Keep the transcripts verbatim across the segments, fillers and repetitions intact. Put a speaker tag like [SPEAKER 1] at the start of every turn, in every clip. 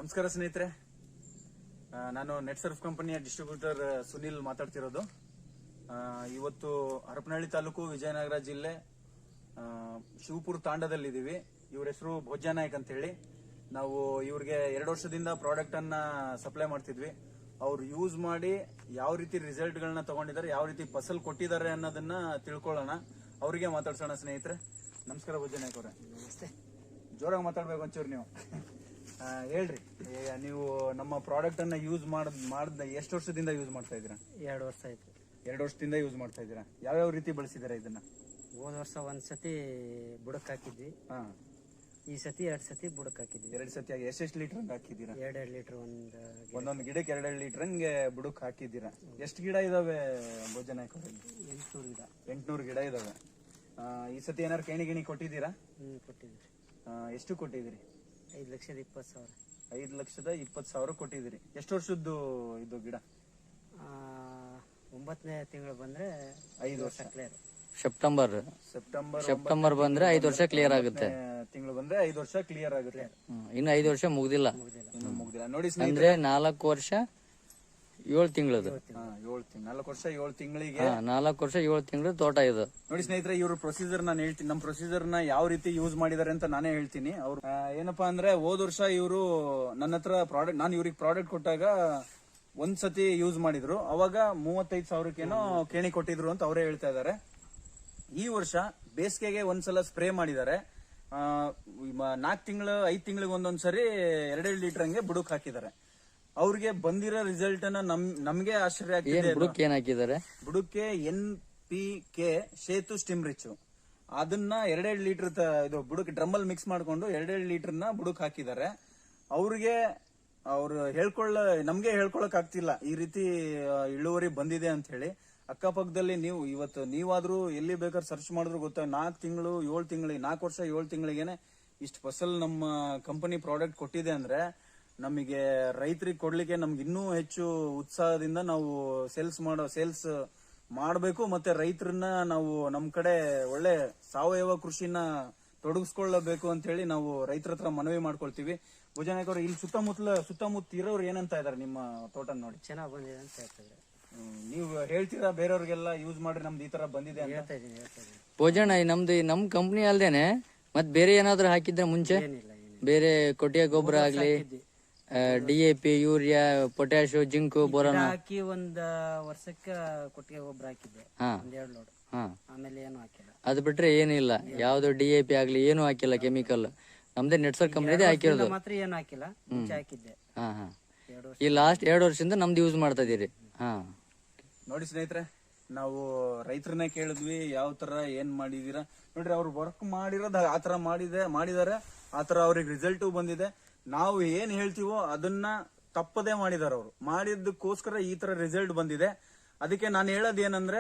[SPEAKER 1] ನಮಸ್ಕಾರ ಸ್ನೇಹಿತರೆ, ನಾನು ನೆಟ್ ಸರ್ಫ್ ಕಂಪನಿಯ ಡಿಸ್ಟ್ರಿಬ್ಯೂಟರ್ ಸುನಿಲ್ ಮಾತಾಡ್ತಿರೋದು. ಇವತ್ತು ಹರಪನಹಳ್ಳಿ ತಾಲೂಕು, ವಿಜಯನಗರ ಜಿಲ್ಲೆ, ಶಿವಪುರ ತಾಂಡದಲ್ಲಿದ್ದೀವಿ. ಇವ್ರ ಹೆಸರು ಭೋಜ್ಯ ನಾಯ್ಕ್ ಅಂತ ಹೇಳಿ. ನಾವು ಇವ್ರಿಗೆ ಎರಡು ವರ್ಷದಿಂದ ಪ್ರಾಡಕ್ಟ್ ಅನ್ನ ಸಪ್ಲೈ ಮಾಡ್ತಿದ್ವಿ. ಅವ್ರು ಯೂಸ್ ಮಾಡಿ ಯಾವ ರೀತಿ ರಿಸಲ್ಟ್ ಗಳನ್ನ ತಗೊಂಡಿದ್ದಾರೆ, ಯಾವ ರೀತಿ ಫಸಲ್ ಕೊಟ್ಟಿದ್ದಾರೆ ಅನ್ನೋದನ್ನ ತಿಳ್ಕೊಳ್ಳೋಣ. ಅವರಿಗೆ ಮಾತಾಡ್ಸೋಣ. ಸ್ನೇಹಿತರೆ ನಮಸ್ಕಾರ. ಭೋಜ್ಯ ನಾಯ್ಕ್ ಅವರೇ,
[SPEAKER 2] ನಮಸ್ತೆ.
[SPEAKER 1] ಜೋರಾಗಿ ಮಾತಾಡ್ಬೇಕು ಒಂಚೂರು ನೀವು. ಹೇಳ್ರಿ, ನೀವು ನಮ್ಮ ಪ್ರಾಡಕ್ಟ್ ಅನ್ನ ಯೂಸ್ ಮಾಡದ್ ಮಾಡ್ದ ಎಷ್ಟು ವರ್ಷದಿಂದ ಯೂಸ್ ಮಾಡ್ತಾ ಇದ್ದೀರಾ?
[SPEAKER 2] ಎರಡು ವರ್ಷ ಆಯ್ತು.
[SPEAKER 1] ಎರಡು ವರ್ಷದಿಂದ ಯೂಸ್ ಮಾಡ್ತಾ ಇದ್ದೀರಾ. ಯಾವ್ಯಾವ ರೀತಿ ಬಳಸಿದಾರೆ ಇದನ್ನ?
[SPEAKER 2] ಹೋದ ವರ್ಷ ಒಂದ್ ಸತಿ ಬುಡಕ್ ಹಾಕಿದ್ವಿ.
[SPEAKER 1] ಹಾ,
[SPEAKER 2] ಈ ಸತಿ ಎರಡ್ ಸತಿ ಬುಡಕ್ ಹಾಕಿದ್ವಿ.
[SPEAKER 1] ಎರಡ್ ಸತಿ ಆಗಿ ಎಷ್ಟೆಷ್ಟು ಲೀಟರ್ ಹಂಗ ಹಾಕಿದ್ದೀರಾ?
[SPEAKER 2] ಎರಡೆರಡು ಲೀಟರ್ ಒಂದ್
[SPEAKER 1] ಒಂದೊಂದು ಗಿಡಕ್ಕೆ ಎರಡೆರಡು ಲೀಟರ್ ಹಂಗೆ ಬುಡಕ್ ಹಾಕಿದ್ದೀರಾ. ಎಷ್ಟು ಗಿಡ ಇದಾವೆ ಭೋಜ್ಯ ನಾಯ್ಕ್ ಅವರಲ್ಲಿ?
[SPEAKER 2] ಎಂಟ್ನೂರು ಗಿಡ.
[SPEAKER 1] ಎಂಟ್ನೂರು ಗಿಡ ಇದಾವೆ. ಈ ಸತಿ ಏನಾರು ಕೇಣಿ ಗಿಣಿ ಕೊಟ್ಟಿದ್ದೀರಾ?
[SPEAKER 2] ಹ್ಮ್ ಕೊಟ್ಟಿದ್ವಿ.
[SPEAKER 1] ಎಷ್ಟು ಕೊಟ್ಟಿದ್ದೀರಿ?
[SPEAKER 2] ಐದ್ ಲಕ್ಷದ ಇಪ್ಪತ್ತು ಸಾವಿರ.
[SPEAKER 1] ಐದ್ ಲಕ್ಷದ ಇಪ್ಪತ್ತು ಸಾವಿರ ಕೊಟ್ಟಿದ್ದೀರಿ. ಎಷ್ಟು ವರ್ಷದ್ದು ಇದು ಗಿಡ?
[SPEAKER 2] ಆ, ಒಂಬತ್ತನೇ ತಿಂಗಳು ಬಂದ್ರೆ
[SPEAKER 1] ಐದು ವರ್ಷ
[SPEAKER 2] ಕ್ಲಿಯರ್.
[SPEAKER 3] ಸೆಪ್ಟೆಂಬರ್
[SPEAKER 1] ಸೆಪ್ಟೆಂಬರ್
[SPEAKER 3] ಸೆಪ್ಟೆಂಬರ್ ಬಂದ್ರೆ ಐದು ವರ್ಷ ಕ್ಲಿಯರ್ ಆಗುತ್ತೆ.
[SPEAKER 1] ತಿಂಗಳು ಬಂದ್ರೆ ಐದು ವರ್ಷ ಕ್ಲಿಯರ್ ಆಗುತ್ತೆ.
[SPEAKER 3] ಇನ್ನು ಐದು ವರ್ಷ ಮುಗ್ದಿಲ್ಲ,
[SPEAKER 1] ಇನ್ನು ಮುಗ್ದಿಲ್ಲ. ನೋಡಿ
[SPEAKER 3] ಅಂದ್ರೆ
[SPEAKER 1] ಸ್ನೇಹಿತರೆ,
[SPEAKER 3] ನಾಲ್ಕು ವರ್ಷ ಏಳು ತಿಂಗಳದು.
[SPEAKER 1] ಏಳು ತಿಂಗಳು, ನಾಲ್ಕು ವರ್ಷ ಏಳು ತಿಂಗಳಿಗೆ.
[SPEAKER 3] ನಾಲ್ಕು ವರ್ಷ ಏಳು ತಿಂಗಳು ತೋಟ ಇದು.
[SPEAKER 1] ನೋಡಿ ಸ್ನೇಹಿತರೆ, ಇವ್ರ ಪ್ರೊಸೀಜರ್ ನಾನು ಹೇಳ್ತೀನಿ. ನಮ್ಮ ಪ್ರೊಸೀಜರ್ ನ ಯಾವ ರೀತಿ ಯೂಸ್ ಮಾಡಿದಾರೆ ಅಂತ ನಾನೇ ಹೇಳ್ತೀನಿ. ಅವ್ರು ಏನಪ್ಪಾ ಅಂದ್ರೆ, ಹೋದ್ ವರ್ಷ ಇವರು ನನ್ನ ಹತ್ರ ಪ್ರಾಡಕ್ಟ್, ನಾನು ಇವ್ರಿಗೆ ಪ್ರಾಡಕ್ಟ್ ಕೊಟ್ಟಾಗ ಒಂದ್ ಸತಿ ಯೂಸ್ ಮಾಡಿದ್ರು. ಅವಾಗ ಮೂವತ್ತೈದು ಸಾವಿರಕ್ಕೇನೋ ಕೇಣಿ ಕೊಟ್ಟಿದ್ರು ಅಂತ ಅವರೇ ಹೇಳ್ತಾ ಇದಾರೆ. ಈ ವರ್ಷ ಬೇಸಿಗೆಗೆ ಒಂದ್ಸಲ ಸ್ಪ್ರೇ ಮಾಡಿದ್ದಾರೆ. ನಾಲ್ಕು ತಿಂಗಳು ಐದ್ ತಿಂಗಳಿಗೆ ಒಂದೊಂದ್ಸರಿ ಎರಡೆರಡು ಲೀಟರ್ ಹಂಗೆ ಬುಡಕ್ ಹಾಕಿದ್ದಾರೆ. ಅವ್ರಿಗೆ ಬಂದಿರೋ ರಿಸಲ್ಟ್ ಅನ್ನ ನಮ್ ನಮ್ಗೆ ಆಶ್ಚರ್ಯ ಆಗ್ತಿದೆ.
[SPEAKER 3] ಬುಡಕ್ಕೆ ಏನ್ ಹಾಕಿದ್ದಾರೆ?
[SPEAKER 1] ಬುಡಕ್ಕೆ ಎನ್ ಪಿ ಕೆ ಶೇತು ಸ್ಟಿಮ್ ರಿಚ್, ಅದನ್ನ ಎರಡೆರಡು ಲೀಟರ್ ಇದು ಬುಡಕ್ ಡ್ರಮ್ಮಲ್ಲಿ ಮಿಕ್ಸ್ ಮಾಡ್ಕೊಂಡು ಎರಡೆರಡು ಲೀಟರ್ ನ ಬುಡಕ್ ಹಾಕಿದ್ದಾರೆ. ಅವ್ರಿಗೆ ಅವ್ರು ಹೇಳ್ಕೊಳ್ಳ ನಮ್ಗೆ ಹೇಳ್ಕೊಳಕ್ ಆಗ್ತಿಲ್ಲ ಈ ರೀತಿ ಇಳುವರಿ ಬಂದಿದೆ ಅಂತ ಹೇಳಿ. ಅಕ್ಕಪಕ್ಕದಲ್ಲಿ ನೀವು ಇವತ್ತು ನೀವಾದ್ರೂ ಎಲ್ಲಿ ಬೇಕಾದ್ರೆ ಸರ್ಚ್ ಮಾಡಿದ್ರು ಗೊತ್ತಾ, ನಾಲ್ಕು ತಿಂಗಳು ಏಳು ತಿಂಗಳಿಗೆ ನಾಲ್ಕು ವರ್ಷ ಏಳು ತಿಂಗಳಿಗೆನೆ ಇಷ್ಟು ಫಸಲ್ ನಮ್ಮ ಕಂಪನಿ ಪ್ರಾಡಕ್ಟ್ ಕೊಟ್ಟಿದೆ ಅಂದ್ರೆ, ನಮಗೆ ರೈತರಿಗೆ ಕೊಡ್ಲಿಕ್ಕೆ ನಮ್ಗೆ ಇನ್ನೂ ಹೆಚ್ಚು ಉತ್ಸಾಹದಿಂದ ನಾವು ಸೇಲ್ಸ್ ಮಾಡೋ ಸೇಲ್ಸ್ ಮಾಡಬೇಕು. ಮತ್ತೆ ರೈತರನ್ನ ನಾವು ನಮ್ ಕಡೆ ಒಳ್ಳೆ ಸಾವಯವ ಕೃಷಿನ ತೊಡಗಿಸ್ಕೊಳ್ಳಬೇಕು ಅಂತ ಹೇಳಿ ನಾವು ರೈತರ ಹತ್ರ ಮನವಿ ಮಾಡ್ಕೊಳ್ತೀವಿ. ಭೋಜ್ಯ ನಾಯ್ಕ್ ಅವರು, ಇಲ್ಲಿ ಸುತ್ತಮುತ್ತಲ ಸುತ್ತಮುತ್ತ ಇರೋರು ಏನಂತ ಇದಾರೆ ನಿಮ್ಮ ತೋಟ ನೋಡಿ?
[SPEAKER 2] ಚೆನ್ನಾಗ್ ಬಂದಿದೆ ಅಂತ ಹೇಳ್ತಿದ್ರೆ.
[SPEAKER 1] ನೀವು ಹೇಳ್ತೀರಾ ಬೇರೆಯವ್ರಿಗೆಲ್ಲ ಯೂಸ್ ಮಾಡ್ರಿ ನಮ್ದು ಈ ತರ ಬಂದಿದೆ ಅಂತ?
[SPEAKER 2] ಹೇಳ್ತಾ ಇದೀನಿ ಹೇಳ್ತಾ ಇದೀನಿ
[SPEAKER 3] ಭೋಜನ ನಮ್ದು ನಮ್ ಕಂಪ್ನಿ ಅಲ್ದೇನೆ ಮತ್ ಬೇರೆ ಏನಾದ್ರು ಹಾಕಿದ್ರೆ ಮುಂಚೆ
[SPEAKER 2] ಏನಿಲ್ಲ ಏನಿಲ್ಲ.
[SPEAKER 3] ಬೇರೆ ಕೊಟ್ಟಿಗೆ ಗೊಬ್ಬರ ಆಗ್ಲಿ,
[SPEAKER 2] ಹಾಕಿದ್ವಿ.
[SPEAKER 3] D A P, urea, potash, zinc, boron
[SPEAKER 2] ಗಿಡ ಹಾಕಿ ಒಂದ್ ವರ್ಷಕ್ಕ ಕೊಟ್ಟಿಗೆ ಗೊಬ್ಬರ ಹಾಕಿದ್ದೆ,
[SPEAKER 3] ಹಾ
[SPEAKER 2] ಒಂದ್ ಎರಡು ಲೋಡ್.
[SPEAKER 3] ಹಾ
[SPEAKER 2] ಆಮೇಲೆ ಏನು ಹಾಕಿಲ್ಲ.
[SPEAKER 3] ಅದು ಬಿಟ್ರೆ ಏನಿಲ್ಲ. ಯಾವ್ದು ಡಿ ಎ ಪಿ ಆಗ್ಲಿ ಏನು ಹಾಕಿಲ್ಲ, ಕೆಮಿಕಲ್. ನಮ್ದೇ ನೆಟ್ಸರ್ ಕಂಪ್ನಿದೇ ಹಾಕಿರೋದು.
[SPEAKER 2] ಮಾತ್ರ ಏನು ಹಾಕಿಲ್ಲ, ಮುಂಚೆ ಹಾಕಿದ್ದೆ.
[SPEAKER 3] ಹಾ ಹಾ
[SPEAKER 2] ಎರಡು ವರ್ಷ
[SPEAKER 3] ಈ ಲಾಸ್ಟ್ ಎರಡು ವರ್ಷದಿಂದ ನಮ್ದು ಯೂಸ್ ಮಾಡ್ತಾ ಇದೀರಿ. ಹಾ
[SPEAKER 1] ನೋಡಿ ಸ್ನೇಹಿತರೆ, ನಾವು ರೈತರನ್ನೇ ಕೇಳಿದ್ವಿ ಯಾವ ತರ ಏನ್ ಮಾಡಿದೀರಾ ನೋಡ್ರಿ. ಅವ್ರು ವರ್ಕ್ ಮಾಡಿರೋದು ಆತರ ಮಾಡಿದೆ ಮಾಡಿದಾರೆ ಆತರ ಅವ್ರಿಗೆ ರಿಸಲ್ಟ್ ಬಂದಿದೆ. ನಾವು ಏನ್ ಹೇಳ್ತೀವೋ ಅದನ್ನ ತಪ್ಪದೇ ಮಾಡಿದಾರೆ ಅವರು. ಮಾಡಿದ್ದಕ್ಕೋಸ್ಕರ ಈ ತರ ರಿಸಲ್ಟ್ ಬಂದಿದೆ. ಅದಕ್ಕೆ ನಾನು ಹೇಳೋದ್ ಏನಂದ್ರೆ,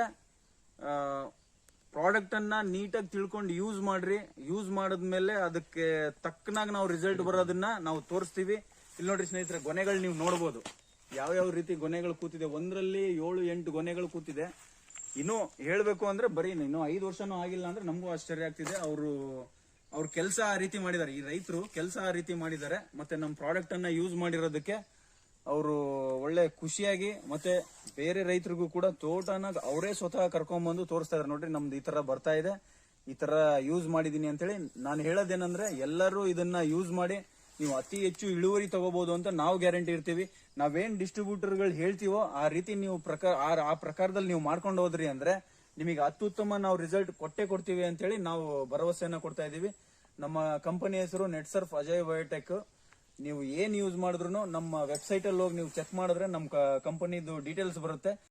[SPEAKER 1] ಪ್ರಾಡಕ್ಟ್ ಅನ್ನ ನೀಟಾಗಿ ತಿಳ್ಕೊಂಡು ಯೂಸ್ ಮಾಡ್ರಿ. ಯೂಸ್ ಮಾಡಿದ್ಮೇಲೆ ಅದಕ್ಕೆ ತಕ್ಕನಾಗ ನಾವು ರಿಸಲ್ಟ್ ಬರೋದನ್ನ ನಾವು ತೋರಿಸ್ತೀವಿ. ಇಲ್ಲಿ ನೋಡ್ರಿ ಸ್ನೇಹಿತರೆ, ಗೊನೆಗಳು ನೀವು ನೋಡ್ಬೋದು ಯಾವ್ಯಾವ ರೀತಿ ಗೊನೆಗಳು ಕೂತಿದೆ. ಒಂದರಲ್ಲಿ ಏಳು ಎಂಟು ಗೊನೆಗಳು ಕೂತಿದೆ. ಇನ್ನು ಹೇಳ್ಬೇಕು ಅಂದ್ರೆ ಬರೀ ಇನ್ನು ಐದು ವರ್ಷನೂ ಆಗಿಲ್ಲ ಅಂದ್ರೆ ನಮಗೂ ಆಶ್ಚರ್ಯ ಆಗ್ತಿದೆ. ಅವರು ಅವ್ರ ಕೆಲಸ ಆ ರೀತಿ ಮಾಡಿದ್ದಾರೆ. ಈ ರೈತರು ಕೆಲಸ ಆ ರೀತಿ ಮಾಡಿದ್ದಾರೆ. ಮತ್ತೆ ನಮ್ಮ ಪ್ರಾಡಕ್ಟ್ ಅನ್ನ ಯೂಸ್ ಮಾಡಿರೋದಕ್ಕೆ ಅವರು ಒಳ್ಳೆ ಖುಷಿಯಾಗಿ, ಮತ್ತೆ ಬೇರೆ ರೈತರಿಗೂ ಕೂಡ ತೋಟನ ಅವರೇ ಸ್ವತಃ ಕರ್ಕೊಂಡ್ಬಂದು ತೋರಿಸ್ತಾ ಇದಾರೆ. ನೋಡ್ರಿ, ನಮ್ದು ಈ ತರ ಬರ್ತಾ ಇದೆ, ಈ ತರ ಯೂಸ್ ಮಾಡಿದೀನಿ ಅಂತ ಹೇಳಿ. ನಾನು ಹೇಳೋದೇನಂದ್ರೆ, ಎಲ್ಲರೂ ಇದನ್ನ ಯೂಸ್ ಮಾಡಿ ನೀವು ಅತಿ ಹೆಚ್ಚು ಇಳುವರಿ ತಗೋಬಹುದು ಅಂತ ನಾವು ಗ್ಯಾರಂಟಿ ಇರ್ತೀವಿ. ನಾವೇನ್ ಡಿಸ್ಟ್ರಿಬ್ಯೂಟರ್ಗಳು ಹೇಳ್ತೀವೋ ಆ ರೀತಿ ನೀವು ಪ್ರಕಾರ ಆ ಪ್ರಕಾರದಲ್ಲಿ ನೀವು ಮಾಡ್ಕೊಂಡು ಹೋದ್ರಿ ಅಂದ್ರೆ ನಿಮಗೆ ಅತ್ಯುತ್ತಮ ನಾವು ರಿಸಲ್ಟ್ ಕೊಟ್ಟೆ ಕೊಡ್ತೀವಿ ಅಂತ ಹೇಳಿ ನಾವು ಭರವಸೆಯನ್ನ ಕೊಡ್ತಾ ಇದೀವಿ. ನಮ್ಮ ಕಂಪನಿ ಹೆಸರು ನೆಟ್ ಸರ್ಫ್ ಅಜಯ್ ಬಯೋಟೆಕ್. ನೀವು ಏನ್ ಯೂಸ್ ಮಾಡಿದ್ರು ನಮ್ಮ ವೆಬ್ಸೈಟ್ ಅಲ್ಲಿ ಹೋಗಿ ನೀವು ಚೆಕ್ ಮಾಡಿದ್ರೆ ನಮ್ಮ ಕಂಪನಿದು ಡೀಟೇಲ್ಸ್ ಬರುತ್ತೆ.